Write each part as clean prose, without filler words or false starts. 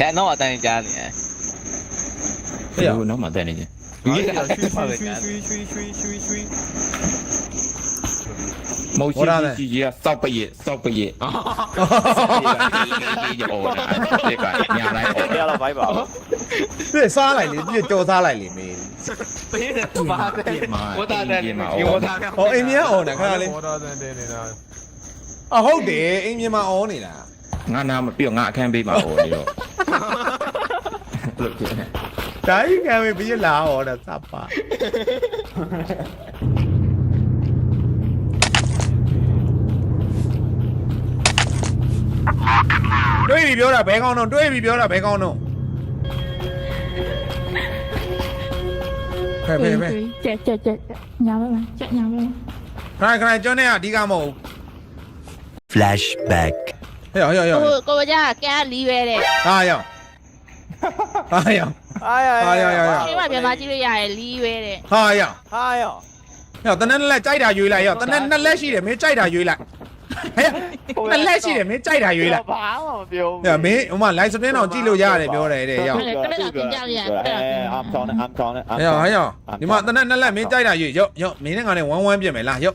看那我带你家里。 哎呀，那么带你去。冇事自己啊，收畢業，收畢業。呢個廿嚟不要了，拜拜。 这沙来里，这叫沙来里面。 我打的，我打的。 哦，A 面哦，你看下你。啊，好的，A 面嘛哦你啦。 ငါနာမပြောငါအခန်းပေးပါဦးဒီတော့ဒါကြီးကံပဲပြီးလာဟောတာစပါတွေးပြီးပြောတာဘဲကောင်းတော့တွေးပြီးပြောတာဘဲကောင်းတော့ဖဲကျက်ညာပါလားကျက်ညာပါလားခဏကျွန်တော်ကအဓိကမဟုတ် Flashback ဟဲ့ဟဲ့ကိုကြကဲလီးပဲတဲ့ဟာရောက်ဟာရောက်哎呀ဟာရောက်ရောက်ဒီမှာပြန်မကြည့်လို့ရတယ်လီးပဲတဲ့ဟာရောက်哎呀， ရောက်တနက်လက်ကြိုက်တာရွေးလိုက်ရောက်တနက်နှစ်လက်ရှိတယ်မင်းကြိုက်တာရွေးလိုက်ဟဲ့နှစ်လက်ရှိတယ်မင်းကြိုက်တာရွေးလိုက်ဘာမှမပြောဟဲ့မင်းဟိုမှာ live stream တော့ကြည့်လို့ရတယ်ပြောတယ်တဲ့ရောက် I'm calling ဟဲ့ရောက်ဒီမှာတနက်နှစ်လက်မင်းကြိုက်တာရွေးရောက်မင်းနဲ့ငါနဲ့ဝမ်းပြင်မယ်လားရောက်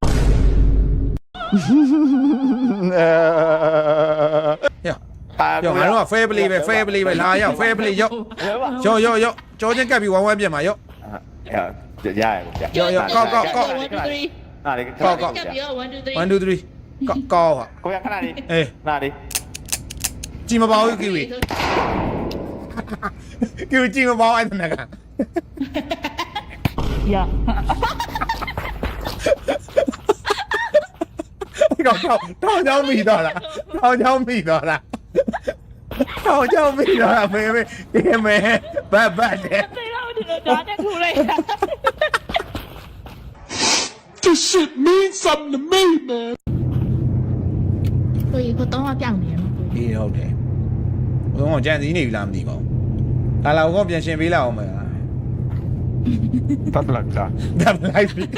ရောက်ငါတို့က fair play ပဲ fair play ပဲလာရောက် fair play ရောက်ကြောချင်းကပ်ပြီးဝမ်းပြင်မှာရောက်ရောက်ကောက်哪里？ ကောက်1 2 3ကောက်ဟာကိုရခဏလေးအေးနားလေးကြည်မပေါဘူးကီဝီကြည်မပေါအဲ့ဒါကရကောက်တောင်းချောင်းမိတော့လားတောင်းချောင်းမိတော့လားတောင်းချောင်းမိတော့လားမေဒီမေဘတ်တဲ့သိတော့ဒီတော့ဒါနဲ့ထူလိုက်တာ This shit means something to me, man. ကိုကြီးကတော့ပြောင်းနေမှာကိုကြီးအေးဟုတ်တယ်ဘုံကကြံစည်နေပြီလားမသိပါဘူးဒါလာကောပြန်ရှင်ပေးလိုက်အောင်မယ်တပ်လက်တာဒါလိုက်ပြီ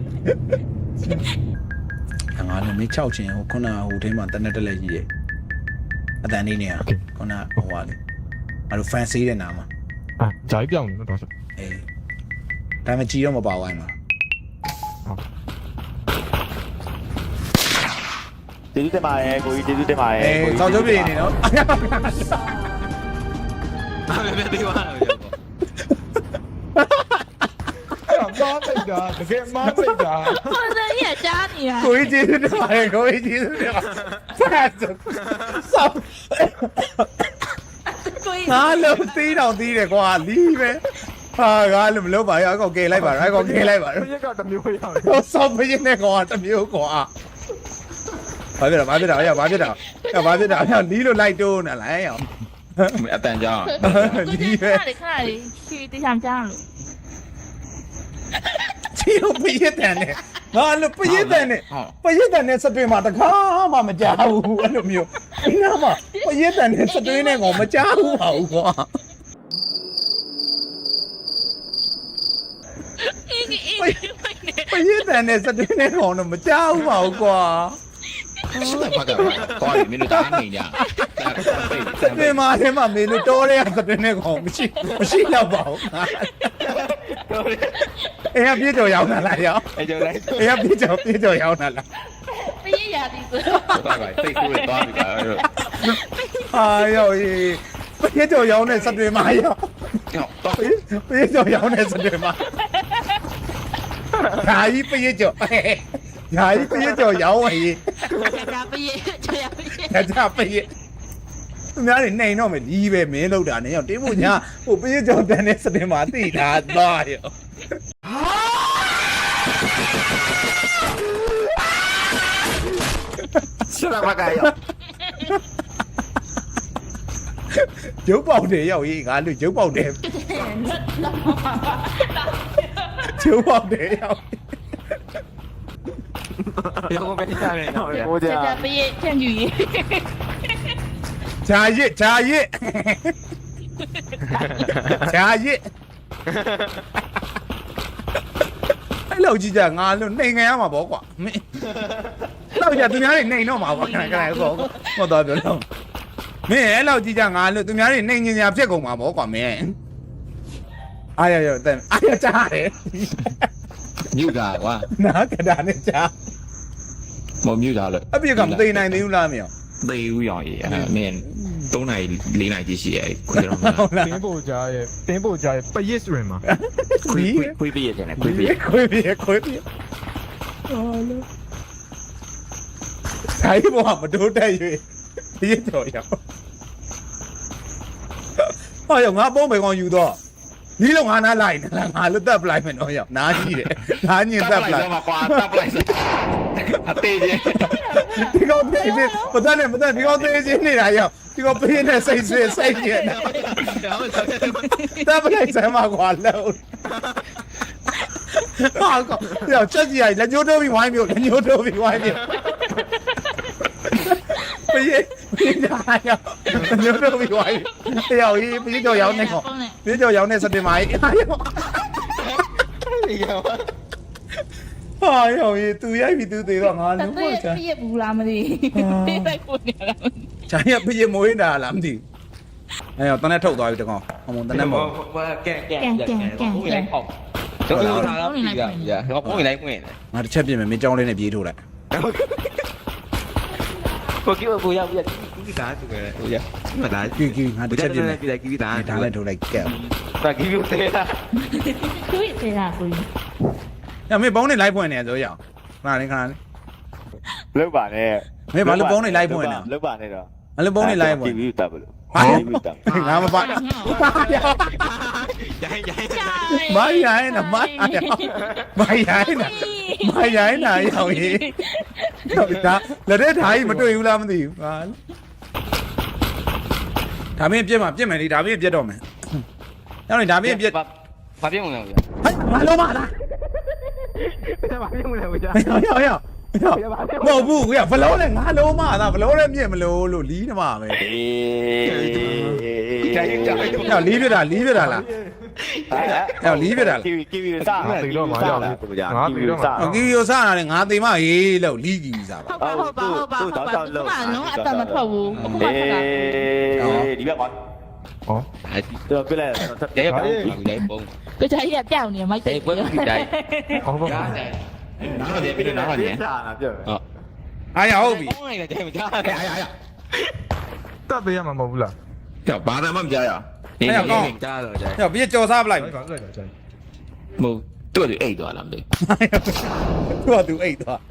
ငါလည်းမေး6ချင်းဟိုခုနဟိုထဲမှာတနက်တက်လက်ကြီးရဲ့အတန်လေးနေရခုနဟိုဟာလေငါတို့ fan ဆေးတဲ့နာမှာဂျိုင်းပြောင်းနေတော့အေးဒါမှကြည်တော့မပါဝိုင်းမှာကျေးဇူးတင်ပါတယ်ကိုကြီးကျေးဇူးတင်ပါတယ်အေးစောင့်ကြပြနေနော်别对话了， မားစိတ်တာတကယ်မားစိတ်တာကိုစရကြားနေရကိုကြီးကျေးဇူးတင်ပါတယ်ကိုကြီးကျေးဇူးတင်ပါဆက်ဆောက်ကိုကြီးငါလုံးသီးတော့သီးတယ်ကွာလီးပဲဟာငါလည်းမလုပ်ပါရအောင်ကဲလိုက်ပါတော့အကောင်ကဲလိုက်ပါတော့ပြက်ကတမျိုးရောက်တယ်ဟိုစောင့်မင်းနဲ့ကွာတမျိုးကွာဘာဖြစ်တာရဘာဖြစ်တာလီးလို့လိုက်တိုးနေလားရောအတန်ကြောင်းလီးပဲခဏလေးချီတေးချမ်းကြားလို့ချီလို့ပြည့်တဲ့နဲ့ငါလို့ပြည့်တဲ့နဲ့စတွင်မှာတခါမှမကြောက်ဘူးအဲ့လိုမျိုးဒီနားမှာပြည့်တဲ့နဲ့စတွင်နဲ့ကောင်မကြောက်ဘူးပါဘူးကွာပြည့်တဲ့နဲ့စတွင်နဲ့ကောင်တော့မကြောက်ဘူးပါဘူးကွာရှစ်ဘက်ကကောင်းပြီမင်းတို့တားနေကြဒီမှာထဲမှာမေလို့တော်တဲ့စတွင်နဲ့ကောင်မရှိတော့ပါဘူးအေးပြေကြော်ရောက်လာလားရောအဲ့ကြောင့်လိုက်အေးပြေကြော်ရောက်လာလားပြည့်ရသည်ဆိုသွားပါစိတ်ဆိုးသွားပြီကွာဟာရောပြေကြော်ရောက်တဲ့စတွင်မှာရောတော့ပြေကြော်ရောက်တဲ့စတွင်မှာဓာကြီးပြေကြော်ဓာကြီးပြေကြော်ရောက်ဝေးဒါပြည့်ချရပြည့်ဒါပြေသူများတွေနှိမ်တော့မယ်လီးပဲမင်းလောက်တာနဲ့ရောတင်းဖို့ညာဟိုပြေကြော်တန်တဲ့စတွင်မှာတိတာသွားရောရှစ်ဘက်ကရောက်ရုပ်ပေါက်တယ်ရောက်ရေးငါလူရုပ်ပေါက်တယ်ရုပ်ပေါက်တယ်ရောက်别我被你下面了。 ကိုကြဒါပြည့်ချမ်းယူရေးဂျာရစ်အဲ့လောက်ကြီးကြငါလို့နှိမ်ခံရမှာပေါ့ကွာမင်းလောက်ကြသူများတွေနှိမ်တော့မှာပေါ့ခဏပေါ့တော့ပြောတော့မင်းအဲ့လောက်ကြီးကြငါလို့သူများတွေနှိမ်ညင်ညာဖြစ်ကုန်မှာဗောကွာမင်းအားရရတဲ့အားရကြားတယ်မြူတာကွာနားကတာနဲ့ကြားမမြူတာလို့အပြစ်ကမသိနိုင်သေးဘူးလားမင်းသေဦးရောင်ကြီးအဲ့မင်း3နိုင်4နိုင်ကြီးရှိရဲ့ခွေးတော့ဟုတ်လားတင်းပို့ကြရဲ့တင်းပို့ကြရဲ့ပရစ်စရင်မှာခွေးပြည့်တယ်ခွေးပြည့်ခွေးပြေခွေးပြေအော်လို့ဆိုင်ဘောမတိုးတက်၍ပြေတော့ရဟောရငါပုံးပဲကောင်ယူတော့ဒီလုံးငါနားလိုက်ငါလွတ်တက်ပလိုက်မယ်တော့ရနားကြီးတယ်နားညင်တက်ပလိုက်ကွာတက်ပလိုက်အသေးကြီးဒီကောင်သေးသေးမတတ်နဲ့ဒီကောင်သေးချင်းနေတာရောက်ဒီကောင်ပေးနေစိတ်ဆွေးစိတ်ညစ်တပ်ပလိုက်စမ်းမကွာလို့ဟာကောရောက်ချက်ကြီးရိုက်လက်ညှိုးတိုးပြီးဝိုင်းမျိုးလက်ညှိုးတိုးပြီးဝိုင်းမျိုးပြေးတာရောက်လက်ညှိုးတိုးပြီးဝိုင်းရောက်ရေးပြေးတော့ရောက်နေကောပြေးတော့ရောက်နေစတင်ပါရေးဟာရောက်ရေးသူရိုက်ပြီးသူသေးတော့ငါတလုံးသွေးပေါ့ချာပြည့်ဘူးလားမသိပေးလိုက်ကိုနေလားချာရပြေးမွေးတာလားမသိအဲ့တော့တန်းနဲ့ထုတ်သွားပြီတကောင်အမုံတန်းနဲ့မော်ကဲပုံးလိုက်ပေါ့တော့လာတော့ပြီဗျာတော့ပုံးလိုက်ပွင့်ငါတစ်ချက်ပြင်မယ်မင်းကြောင်းလေးနဲ့ပြေးထုတ်လိုက်ကိုကြီးကိုရောက်ပြီကိတာတူတယ်ဟိုရမလားကြည့်ကြည့်ငါတစ်ချက်ပြင်မယ်ကိတာကိတာဒါလည်းထုတ်လိုက်ကဲတာကိယူသေးတာသွေးသေးတာကိုညမင်းဘုံနဲ့လိုက်ဖွင့်နေဆိုရအောင်ခဏလေးခဏလေးလောက်ပါနဲ့မင်းဘာလို့ဘုံနဲ့လိုက်ဖွင့်နေလောက်ပါနဲ့တော့ဘာလို့ဘုံနဲ့လိုက်ဖွင့်တီဗီတပ်ဘလို့ဟာတီဗီတပ်ငါမပါရိုင်းရိုင်းမရိုင်းနာမရိုင်းနာရောက်ရေးတော့ဒါလက်တဲ့ဓာကြီးမတွေ့ဘူးလားမသိဘူးဟာဒါမင်းပြက်မှာပြက်မယ်လေဒါမင်းပြက်တော့မယ်ရောက်နေဒါမင်းပြက်ဘာပြုံးလဲဗျာဟဲ့မလုံးမလားဘာပြုံးလဲဗျာရောက်မဟုတ်ဘူးကွာဘလုံးနဲ့ငါလုံးမသာဘလုံးနဲ့မြင့်မလို့လို့လီးနေမှာပဲအေးရောက်လီးပြတာလားကီဗီစားငါသိတော့မှာရောက်ပြီငါသိတော့မှာကီယိုစားတာလေငါသိမရေးလို့လီးကြီးစားပါဟုတ်ပါနော်အတမထွက်ဘူးအခုမှအေထွက်တားဒီဘက်ပါဟောတော့ပြလိုက်ရဲပုံးလိုက်ပုံးကြကြရပြောင်းနေမိုက်တယ်ပွဲကိတိုင်းဟောပါရားတယ်နားတယ်ပြီးတော့နားတယ်စားတာပြောဟုတ်အားရဟုတ်ပြီပုံးလိုက်တယ်မကြားရရတပ်ပေးရမှာမဟုတ်ဘူးလားကြောက်ဘာသာမှမကြားရကြားတော့ကြားရောက်ပြည့်ကြော်စားပလိုက်ဘာလို့လဲကြာမဟုတ်သူ့တူအိတ်သွားလားမသိသူကသူအိတ်သွားပြေးကလည်း Hãy subscribe cho kênh Ghiền Mì Gõ để không bỏ lỡ những video hấp dẫn တယ် Hãy subscribe cho kênh Ghiền Mì Gõ để không bỏ lỡ những video hấp dẫn